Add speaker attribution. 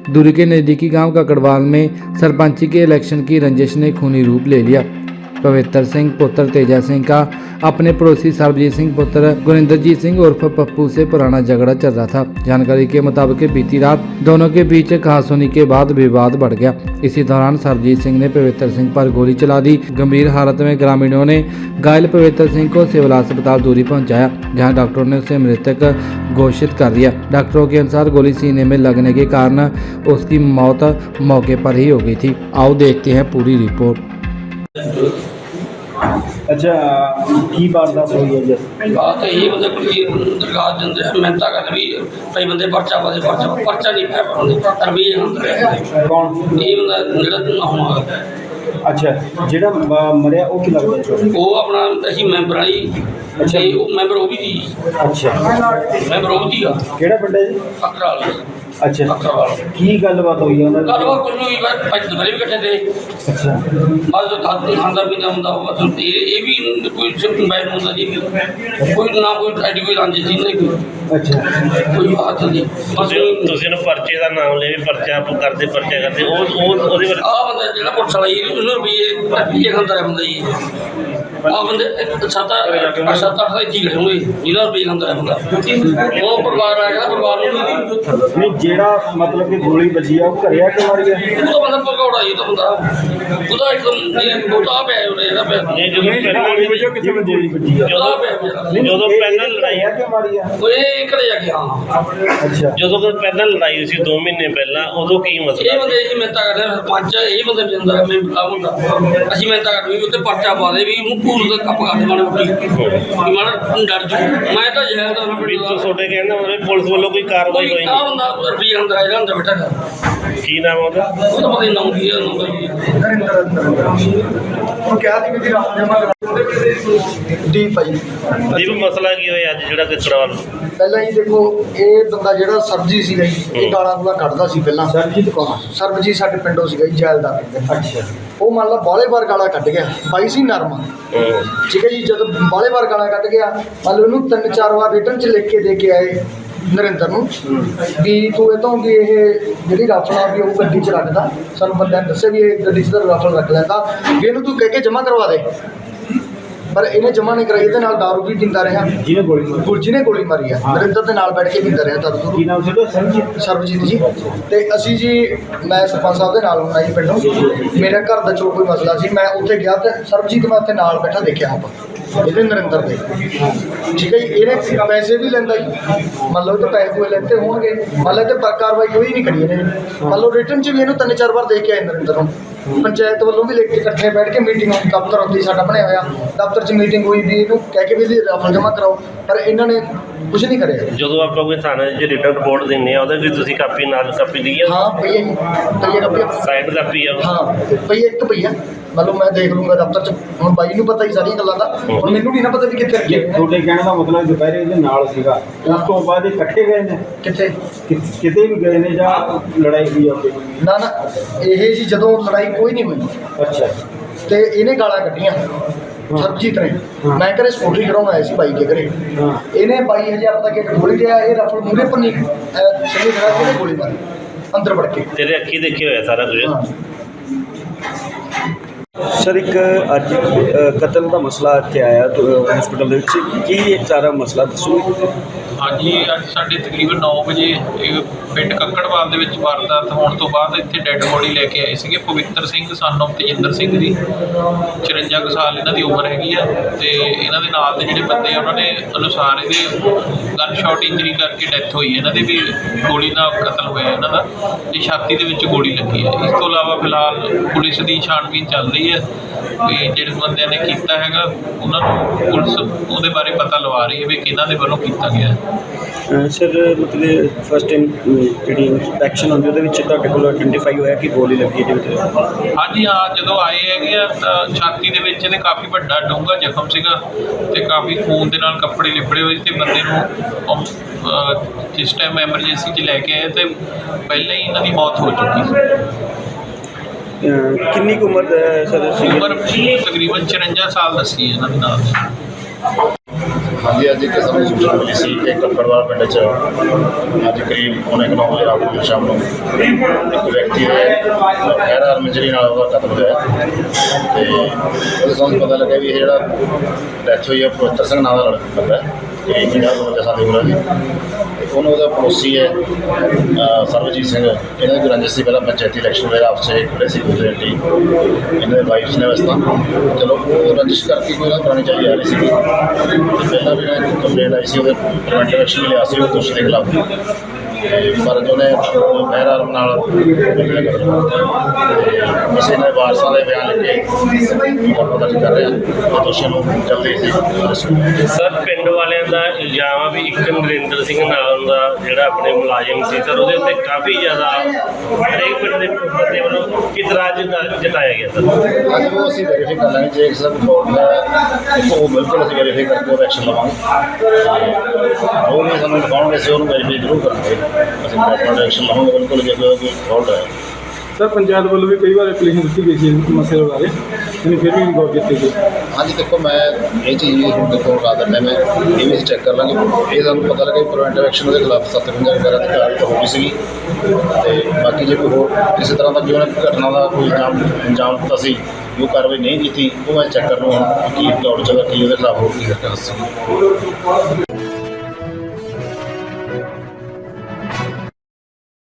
Speaker 1: दूरी के नज़दीकी गांव ककड़वाल में सरपंची के इलेक्शन की रंजिश ने खूनी रूप ले लिया। पवित्र सिंह पुत्र तेजा सिंह का अपने पड़ोसी सरबजीत सिंह पुत्र गुरिंदरजीत सिंह उर्फ पप्पू से पुराना झगड़ा चल रहा था। जानकारी के मुताबिक बीती रात दोनों के बीच कहासुनी के बाद विवाद बढ़ गया। इसी दौरान सरबजीत सिंह ने पवित्र सिंह पर गोली चला दी। गंभीर हालत में ग्रामीणों ने घायल पवित्र सिंह को सिविल अस्पताल दूरी पहुंचाया, जहां डॉक्टरों ने उसे मृतक घोषित कर दिया। डॉक्टरों के अनुसार गोली सीने में लगने के कारण उसकी मौत मौके पर ही हो गई थी। आओ देखते हैं पूरी रिपोर्ट।
Speaker 2: अच्छा की वारदात हुई है जी?
Speaker 3: बात यही मतलब कोई दरगाह दिंदे मिहनत कर भी कई बंदे पर्चा पाते पर्चा नहीं पाया पाते तरबीज होंदे
Speaker 2: कौन
Speaker 3: ये मतलब होना
Speaker 2: अच्छा जेड़ा मरिया वो की लगता है?
Speaker 3: वो अपना असी मैंबर ही
Speaker 2: अच्छा
Speaker 3: वो मैंबर वो भी थी
Speaker 2: अच्छा
Speaker 3: मैंबर वो भी
Speaker 2: केड़ा पिंड है जी?
Speaker 3: अकराल
Speaker 2: अच्छा
Speaker 3: अकराल
Speaker 2: की गलबात हुई है उन्होंने?
Speaker 3: गलबात कुछ नहीं हुई बस दुपहरे भी इकट्ठे थे
Speaker 2: अच्छा
Speaker 3: बस खांदा पींदा ਹੁੰਦਾ बस ये भी कोई सिर्फ बैठ ਹੁੰਦਾ जी कोई ना कोई ਐਡੀ ਕੋਈ ਰੰਜ ਸੀ ਨਹੀਂ ਕੋਈ
Speaker 2: अच्छा
Speaker 3: ਕੋਈ ਬਾਤ ਨਹੀਂ ਬਸ
Speaker 4: ਤੁਸੀਂ ਨੂੰ ਪਰਚੇ ਦਾ ਨਾਮ ਲੈ ਵੀ ਪਰਚਾ ਆਪ ਕਰਦੇ ਉਹ ਉਹਦੇ ਬਾਰੇ
Speaker 3: ਆ ਬੰਦਾ ਜਿਹੜਾ ਪੁਲਿਸ ਵਾਲਾ ਜੀ ਉਹਨੂੰ ਰੁਪਈਏ ਖਾਂਦਾ ਰਿਹਾ ਬੰਦਾ ਜੀ ਆ ਬੰਦੇ ਸੱਤ ਅੱਠ ਇੱਥੇ ਖੜੇ ਹੋਏ ਜਿਹਦਾ ਰੁਪਈਏ ਖਾਂਦਾ ਰਿਹਾ ਬੰਦਾ ਉਹ ਪਰਿਵਾਰ ਆ ਗਿਆ ਪਰਿਵਾਰ ਨੂੰ
Speaker 2: नहीं जेड़ा मतलब कि गोली बजी है वो घरे आके मारी है?
Speaker 3: ਉਹ ਤਾਂ ਬੰਦਾ ਭਗੌੜਾ ਜੀ ਉਹ ਤਾਂ ਬੰਦਾ ਉਹਦਾ ਇੱਕਦਮ ਉਹਦਾ ਪਿਆ ਉਹਨੇ ਇਹਦਾ ਪਿਆ
Speaker 4: ਨਹੀਂ ਜਦੋਂ ਪਹਿਲਾਂ
Speaker 2: कितने बजे गोली बजी है?
Speaker 3: ਉਹਦਾ ਪਿਆ ਮੇਰਾ
Speaker 4: ਜਦੋਂ ਪਹਿਲਾਂ ਲੜਾਈ
Speaker 2: घरे आके मारी है?
Speaker 3: ਉਹ ਇਹ ਘਰੇ ਜਾ ਕੇ ਹਾਂ
Speaker 2: अच्छा
Speaker 4: ਜਦੋਂ ਪਹਿਲਾਂ ਲੜਾਈ ਹੋਈ ਸੀ 2 ਮਹੀਨੇ ਪਹਿਲਾਂ ਉਦੋਂ ਕੀ ਮਸਲਾ
Speaker 3: ਇਹ ਬੰਦੇ ਜੀ ਮਿਹਨਤਾਂ ਕਰਦੇ ਸਰਪੰਚ ਇਹ ਬੰਦੇ ਜਿੰਦਾ ਮੈਂ ਬੁਲਾ ਹੁੰਦਾ ਅਸੀਂ ਮਿਹਨਤਾਂ ਕਰਦੇ ਵੀ ਉੱਤੇ ਪਰਚਾ ਪਾ ਦੇ ਵੀ ਉਹਨੂੰ ਭੂਰ ਦਾ ਕੱਪ ਕੱਢ ਮਾਣੇ ਉੱਟੀ ਕਿ ਮਾਣਾ ਡਰ ਜੂ ਮੈਂ ਤਾਂ ਜਹਿਲ ਦਾ
Speaker 4: ਵੀ ਤੁਹਾਡੇ ਕਹਿੰਦਾ ਮਤਲਬ ਪੁਲਿਸ ਵੱਲੋਂ ਕੋਈ ਕਾਰਵਾਈ ਹੋਈ
Speaker 3: ਆ ਬੰਦਾ ਰੁਪਈਏ ਅੰਦਰ ਆਇਆ ਅੰਦਰ ਬੈਠਾ ਗਾ
Speaker 4: ਕੀ ਨਾਮ ਉਹਦਾ?
Speaker 3: ਉਹ ਤਾਂ ਪਤਾ ਨਹੀਂ ਨਾਮ ਕੀ ਹੈ ਨਾਮ ਜੀ
Speaker 2: वो क्या थी कि रात जमा दीप भाई
Speaker 4: ਦੀਪ ਮਸਲਾ ਕੀ ਹੋਇਆ ਅੱਜ ਜਿਹੜਾ ਕਿਕੜਵਾਲ
Speaker 5: ਪਹਿਲਾਂ ਹੀ ਦੇਖੋ ਇਹ ਬੰਦਾ ਜਿਹੜਾ ਸਰਬਜੀਤ ਸੀਗਾ ਜੀ ਇਹ ਗਾਲਾਂ ਗੂਲਾਂ ਕੱਢਦਾ ਸੀ ਪਹਿਲਾਂ।
Speaker 2: सरबजीत कौन?
Speaker 5: ਸਰਬਜੀਤ ਸਾਡੇ ਪਿੰਡੋਂ ਸੀਗਾ ਜੀ ਜੈਲਦਾਰ ਪਿੰਡ।
Speaker 2: अच्छा
Speaker 5: ਉਹ ਮੰਨ ਲਾ ਬਾਲੇ ਵਾਰ ਗਾਲਾਂ ਕੱਢ ਗਿਆ ਬਾਈ ਸੀ ਨਰਮਾ ਠੀਕ ਹੈ ਜੀ। ਜਦੋਂ ਬਾਲੇ ਵਾਰ ਗਾਲਾਂ ਕੱਢ ਗਿਆ ਮੰਨ ਲਓ ਉਹਨੂੰ 3-4 ਵਾਰ ਰਿਟਰਨ 'ਚ ਲਿਖ ਕੇ ਦੇ ਕੇ ਆਏ ਨਰਿੰਦਰ ਨੂੰ ਵੀ ਤੂੰ ਇਹ ਤੋਂ ਵੀ ਇਹ ਜਿਹੜੀ ਰਾਫਲ ਆ ਵੀ ਉਹ ਗੱਡੀ 'ਚ ਰੱਖਦਾ ਸਾਨੂੰ ਬੰਦਿਆਂ ਨੇ ਦੱਸਿਆ ਵੀ ਇਹ ਗੱਡੀ 'ਚ ਤਾਂ ਰਾਫਲ ਰੱਖ ਲੈਂਦਾ ਵੀ ਇਹਨੂੰ ਤੂੰ ਕਹਿ ਕੇ ਜਮ੍ਹਾਂ ਕਰਵਾ ਦੇ। ਪਰ ਇਹਨੇ ਜਮ੍ਹਾਂ ਨਹੀਂ ਕਰਾਈ। ਇਹਦੇ ਨਾਲ ਦਾਰੂ ਵੀ ਪੀਂਦਾ ਰਿਹਾ
Speaker 2: जिन्हें गोली मारी?
Speaker 5: ਗੁਰਜੀ ਨੇ ਗੋਲੀ ਮਾਰੀ ਆ ਨਰਿੰਦਰ ਦੇ ਨਾਲ ਬੈਠ ਕੇ ਪੀਂਦਾ ਰਿਹਾ ਦਾਰੂ
Speaker 2: की नाम से? सरबजीत
Speaker 5: ਸਰਬਜੀਤ ਜੀ। ਤੇ ਅਸੀਂ ਜੀ ਮੈਂ ਸਰਪੰਚ ਸਾਹਿਬ ਦੇ ਨਾਲ ਹੁੰਦਾ ਜੀ ਪਿੰਡੋਂ। ਮੇਰੇ ਘਰ ਦਾ ਜੋ ਕੋਈ ਮਸਲਾ ਸੀ ਮੈਂ ਉੱਥੇ ਗਿਆ ਤੇ ਸਰਬਜੀਤ ਮੈਂ ਉੱਥੇ ਨਾਲ ਬੈਠਾ ਦੇਖਿਆ ਆਪਾਂ ਇਹਦੇ ਨਰਿੰਦਰ ਦੇ ਠੀਕ ਹੈ ਜੀ। ਇਹਨੇ ਪੈਸੇ ਵੀ ਲੈਂਦਾ ਜੀ ਮੰਨ ਲਓ ਤਾਂ ਪੈਸੇ ਕੋਈ ਲੈਂਦੇ ਹੋਣਗੇ ਮੰਨ ਲਓ ਤੇ ਕਾਰਵਾਈ ਕੋਈ ਨਹੀਂ ਕਰੀ ਇਹਨੇ ਮੰਨ ਲਓ ਰਿਟਰਨ 'ਚ ਵੀ ਇਹਨੂੰ 3-4 ਵਾਰ ਦੇ ਕੇ ਆਏ ਨਰਿੰਦਰ ਨੂੰ। ਪੰਚਾਇਤ ਵੱਲੋਂ ਵੀ ਲਿਖ ਕੇ ਇਕੱਠੇ ਬੈਠ ਕੇ ਮੀਟਿੰਗ ਹੋਈ ਦਫ਼ਤਰ ਉੱਤੇ ਸਾਡਾ ਬਣਿਆ ਹੋਇਆ ਦਫ਼ਤਰ 'ਚ ਮੀਟਿੰਗ ਹੋਈ ਵੀ ਇਹਨੂੰ ਕਹਿ ਕੇ ਵੀ ਇਹਦੀ ਰਾਫਲ ਜਮ੍ਹਾਂ ਕਰਾਓ ਪਰ ਇਹਨਾਂ ਨੇ ਕੁਝ ਨਹੀਂ ਕਰਿਆ।
Speaker 4: ਜਦੋਂ ਆਪਾਂ ਕੋਈ ਥਾਣੇ 'ਚ ਰਿਟਰਨ ਰਿਪੋਰਟ ਦਿੰਦੇ ਆ ਉਹਦੇ ਵਿੱਚ ਤੁਸੀਂ ਕਾਪੀ ਨਾਲ ਕਾਪੀ ਲਈ ਆ?
Speaker 5: ਹਾਂ ਪਈਆ ਜੀ ਪਈਆ ਕਾਪੀ
Speaker 4: ਸਾਈਡ ਕਾਪੀ ਆ?
Speaker 5: ਹਾਂ ਪਈਆ ਇੱਕ ਪਈਆ ਮੰਨ ਲਓ ਮੈਂ ਦੇਖ ਲੂੰਗਾ ਦਫ਼ਤਰ 'ਚ। ਹੁਣ ਬਾਈ ਨੂੰ ਪਤਾ ਹੀ ਸਾਰੀਆਂ ਗੱਲਾਂ ਦਾ ਹੁਣ ਮੈਨੂੰ ਨਹੀਂ ਨਾ ਪਤਾ ਵੀ ਕਿੱਥੇ ਰੱਖੇ
Speaker 2: ये थोड़े कहने का मतलब दोपहर ਇਹਦੇ ਨਾਲ ਸੀਗਾ ਉਸ ਤੋਂ ਬਾਅਦ ਇਹ ਇਕੱਠੇ ਗਏ ਨੇ
Speaker 5: ਕਿੱਥੇ
Speaker 2: ਕਿਤੇ ਵੀ ਗਏ ਨੇ ਜਾਂ ਲੜਾਈ ਹੋਈ ਆਪੇ?
Speaker 5: ਨਾ ਨਾ ਇਹ ਜੀ ਜਦੋਂ ਲੜਾਈ ਕੋਈ ਨਹੀਂ ਹੋਈ
Speaker 2: ਅੱਛਾ
Speaker 5: ਤੇ ਇਹਨੇ ਗਾਲਾਂ ਕੱਢੀਆਂ ਸਰਬਜੀਤ ਨੇ। ਮੈਂ ਘਰੇ ਸਕੂਟਰੀ ਕਰਾਉਣ ਆਇਆ ਸੀ ਬਾਈ ਕੇ ਘਰੇ
Speaker 2: ਹਾਂ
Speaker 5: ਇਹਨੇ 22,000 ਦਾ ਗੇਟ ਖੋਲ੍ਹ ਗਿਆ ਇਹ ਰਫਲ ਮੂਹਰੇ ਪੰਨੀ ਸਹੀ ਖੜਾ ਕੇ ਗੋਲੀ ਮਾਰੀ ਅੰਦਰ ਵੜ ਕੇ।
Speaker 4: ਤੇਰੇ ਅੱਖੀ ਦੇਖਿਆ ਹੋਇਆ ਸਾਰਾ ਕੁਝ?
Speaker 5: ਹਾਂ
Speaker 6: ਸਰ ਇੱਕ ਅੱਜ ਕਤਲ ਦਾ ਮਸਲਾ ਇੱਥੇ ਆਇਆ ਹਸਪੀਟਲ ਦੇ ਵਿੱਚ ਕੀ ਇਹ ਸਾਰਾ ਮਸਲਾ ਦੱਸੋ।
Speaker 7: ਹਾਂਜੀ ਅੱਜ ਸਾਡੇ ਤਕਰੀਬਨ 9 ਵਜੇ ਇਹ ਪਿੰਡ ਕੱਕੜਵਾਲ ਦੇ ਵਿੱਚ ਵਾਰਦਾਤ ਹੋਣ ਤੋਂ ਬਾਅਦ ਇੱਥੇ ਡੈੱਡ ਬੋਡੀ ਲੈ ਕੇ ਆਏ ਸੀਗੇ ਪਵਿੱਤਰ ਸਿੰਘ ਸਨ ਆਫ ਤੇਜਿੰਦਰ ਸਿੰਘ ਦੀ 54 ਕੁ ਸਾਲ ਇਹਨਾਂ ਦੀ ਉਮਰ ਹੈਗੀ ਆ ਤੇ ਇਹਨਾਂ ਦੇ ਨਾਲ ਦੇ ਜਿਹੜੇ ਬੰਦੇ ਆ ਉਹਨਾਂ ਨੇ ਅਨੁਸਾਰ ਇਹਦੇ ਗਨ ਸ਼ਾਟ ਇੰਜਰੀ ਕਰਕੇ ਡੈਥ ਹੋਈ ਹੈ ਇਹਨਾਂ ਦੇ ਵੀ ਗੋਲੀ ਨਾਲ ਕਤਲ ਹੋਇਆ ਇਹਨਾਂ ਦਾ ਤੇ ਛਾਤੀ ਦੇ ਵਿੱਚ ਗੋਲੀ ਲੱਗੀ ਹੈ। ਇਸ ਤੋਂ ਇਲਾਵਾ ਫਿਲਹਾਲ ਪੁਲਿਸ ਦੀ ਛਾਣਬੀਨ ਚੱਲ ਰਹੀ ਹੈ ਵੀ ਜਿਹੜੇ ਬੰਦਿਆਂ ਨੇ ਕੀਤਾ ਹੈਗਾ ਉਹਨਾਂ ਨੂੰ ਪੁਲਿਸ ਉਹਦੇ ਬਾਰੇ ਪਤਾ ਲਵਾ ਰਹੀ ਹੈ ਵੀ ਕਿਹਨਾਂ ਦੇ ਵੱਲੋਂ ਕੀਤਾ ਗਿਆ।
Speaker 6: ਸਰ ਮਤਲਬ ਫਸਟ ਟਾਈਮ ਜਿਹੜੀ ਇਨਸਪੈਕਸ਼ਨ ਹੁੰਦੀ ਉਹਦੇ ਵਿੱਚ ਤੁਹਾਡੇ ਕੋਲ ਆਇਡੈਂਟੀਫਾਈ ਹੋਇਆ ਕਿ ਗੋਲੀ ਲੱਗੀ ਇਹਦੇ ਵਿੱਚ?
Speaker 7: ਹਾਂਜੀ ਹਾਂ ਜਦੋਂ ਆਏ ਹੈਗੇ ਆ ਤਾਂ ਛਾਤੀ ਦੇ ਵਿੱਚ ਇਹਦੇ ਕਾਫੀ ਵੱਡਾ ਡੂੰਘਾ ਜ਼ਖਮ ਸੀਗਾ ਤੇ ਕਾਫੀ ਖੂਨ ਦੇ ਨਾਲ ਕੱਪੜੇ ਲਿਬੜੇ ਹੋਏ ਤੇ ਬੰਦੇ ਨੂੰ ਜਿਸ ਟਾਈਮ ਐਮਰਜੈਂਸੀ 'ਚ ਲੈ ਕੇ ਆਏ ਤੇ ਪਹਿਲਾਂ ਹੀ ਇਹਨਾਂ ਦੀ ਮੌਤ ਹੋ ਚੁੱਕੀ ਸੀ।
Speaker 6: ਕਿੰਨੀ ਕੁ ਉਮਰ ਦਾ ਸਰ ਸੀ?
Speaker 7: ਉਮਰ ਤਕਰੀਬਨ 54 ਸਾਲ ਦੱਸੀ ਹੈ ਇਹਨਾਂ ਦੇ ਨਾਲ।
Speaker 8: ਹਾਂਜੀ, ਅੱਜ ਇੱਕ ਸਾਨੂੰ ਸੂਚਨਾ ਮਿਲੀ ਸੀ ਕਿ ਕੱਕੜਵਾਲ ਪਿੰਡ 'ਚ ਅੱਜ ਕਰੀਬ 9:30 ਵਜੇ ਰਾਤ ਨੂੰ ਸ਼ਾਮ ਨੂੰ ਇੱਕ ਵਿਅਕਤੀ ਦੇ ਗੈਰ ਆਰਮ ਇੰਜਰੀ ਨਾਲ ਉਹਦਾ ਕਤਲ ਹੋਇਆ ਤੇ ਉਹਦੇ ਸਾਨੂੰ ਪਤਾ ਲੱਗਿਆ ਵੀ ਇਹ ਜਿਹੜਾ ਡੈਥ ਹੋਈ ਹੈ ਪਵਿੱਤਰ ਸਿੰਘ ਨਾਂ ਦਾ ਲੜਕਾ ਹੈ ਤੇ 50 ਸਾਲ ਦੀ ਉਮਰ ਦੀ। ਉਹਨੂੰ ਉਹਦਾ ਪੜੋਸੀ ਹੈ ਸਰਬਜੀਤ ਸਿੰਘ, ਇਹਨਾਂ ਦੀ ਰੰਜਿਸ਼ ਸੀ ਪਹਿਲਾਂ ਪੰਚਾਇਤੀ ਇਲੈਕਸ਼ਨ ਵੇਲੇ ਆਪਸ 'ਚ ਖੜੇ ਸੀ ਦੂਸਰੇ ਟੀ ਇਹਨਾਂ ਦੇ ਵਾਈਫਸ ਨੇ ਵੈਸੇ ਤਾਂ ਚਲੋ ਉਹ ਰੰਜਿਸ਼ ਕਰਕੇ ਕੋਈ ਨਾ ਪੁਰਾਣੀ ਚੱਲੀ ਆ ਰਹੀ ਸੀਗੀ ਤੇ ਪਹਿਲਾਂ ਵੀ ਇਹਨਾਂ ਦੀ ਕੰਪਲੇਂਟ ਆਈ ਸੀ ਉਹਦੇ ਪ੍ਰੀਵੈਂਟਿਵ ਐਕਸ਼ਨ ਵੀ ਲਿਆ ਸੀ ਉਹ ਦੋਸ਼ੀ ਦੇ ਖਿਲਾਫ ਪਰ ਉਹਨੇ ਗੈਰ ਆਰਮ ਨਾਲ ਕਿਸੇ ਨੇ ਵਾਰਸਾਂ ਦੇ ਬਿਆਨ ਲਿਖ ਕੇ ਮੁਕੱਦਮਾ ਦਰਜ ਕਰ ਰਿਹਾ ਤੇ ਦੋਸ਼ੀਆਂ ਨੂੰ ਜਲਦੀ ਸੀ ਅਰੈਸਟ ਕੀਤਾ।
Speaker 4: ਸਰ ਪਿੰਡ ਵਾਲਿਆਂ ਦਾ ਇਲਜ਼ਾਮ ਆ ਵੀ ਇੱਕ ਨਰਿੰਦਰ ਸਿੰਘ ਨਾਮ ਦਾ ਜਿਹੜਾ ਆਪਣੇ ਮੁਲਾਜ਼ਮ ਸੀ ਸਰ ਉਹਦੇ ਉੱਤੇ ਕਾਫੀ ਜ਼ਿਆਦਾ ਹਰੇਕ ਪਿੰਡ ਦੇ ਬੰਦੇ ਵੱਲੋਂ ਇਤਰਾਜ਼ ਜਤਾਇਆ ਗਿਆ ਸਰ।
Speaker 8: ਹਾਂਜੀ, ਉਹ ਅਸੀਂ ਵੈਰੀਫਾਈ ਕਰ ਲਾਂਗੇ ਜੇ ਕਿਸੇ ਦਾ ਕੋਈ ਫਾਲਟ ਹੈ ਉਹ ਬਿਲਕੁਲ ਅਸੀਂ ਵੈਰੀਫਾਈ ਕਰਕੇ ਉਹਦਾ ਐਕਸ਼ਨ ਲਵਾਂਗੇ। ਉਹ ਵੀ ਸਾਨੂੰ ਦਿਖਾਉਣਗੇ, ਅਸੀਂ ਉਹਨੂੰ ਵੈਰੀਫਾਈ ਜ਼ਰੂਰ ਕਰਾਂਗੇ, ਅਸੀਂ ਪ੍ਰੋਪਰ ਐਕਸ਼ਨ ਲਵਾਂਗੇ ਬਿਲਕੁਲ ਜੇ ਕੋਈ ਫਾਲਟ ਹੈ।
Speaker 2: ਸਰ ਪੰਚਾਇਤ ਵੱਲੋਂ ਵੀ ਕਈ ਵਾਰ ਐਪਲੀਕੇਸ਼ਨ ਦਿੱਤੀ ਗਈ ਸੀ ਇਸ ਮਸਲੇ ਬਾਰੇ, ਇਹਨੂੰ ਫਿਰ ਵੀ ਗੌਰ ਕੀਤੀ ਗਈ।
Speaker 8: ਹਾਂਜੀ, ਦੇਖੋ ਮੈਂ ਇਹ ਚੀਜ਼ ਵੀ ਹੁਣ ਦੇਖੋ ਰਾਤ ਦਾ ਟਾਈਮ ਹੈ, ਇਹ ਵੀ ਅਸੀਂ ਚੈੱਕ ਕਰ ਲਾਂਗੇ। ਇਹ ਸਾਨੂੰ ਪਤਾ ਲੱਗਾ ਕਿ ਪ੍ਰੀਵੈਂਟਿਵ ਐਕਸ਼ਨ ਉਹਦੇ ਖਿਲਾਫ 57 ਵਗੈਰਾ ਦੀ ਕਾਰਵਾਈ ਹੋ ਗਈ ਸੀਗੀ ਤੇ ਬਾਕੀ ਜੇ ਕੋਈ ਹੋਰ ਕਿਸੇ ਤਰ੍ਹਾਂ ਦਾ ਜੋ ਘਟਨਾ ਦਾ ਕੋਈ ਅੰਜਾਮ ਦਿੱਤਾ ਸੀ ਜੋ ਕਾਰਵਾਈ ਨਹੀਂ ਕੀਤੀ ਉਹ ਮੈਂ ਚੈੱਕ ਕਰ ਲਵਾਂ ਕੀ ਦੌੜ ਚੱਲ ਕੀ ਉਹਦੇ ਖਿਲਾਫ ਹੋਰ ਕੀ ਕਰ ਸਕਦਾ।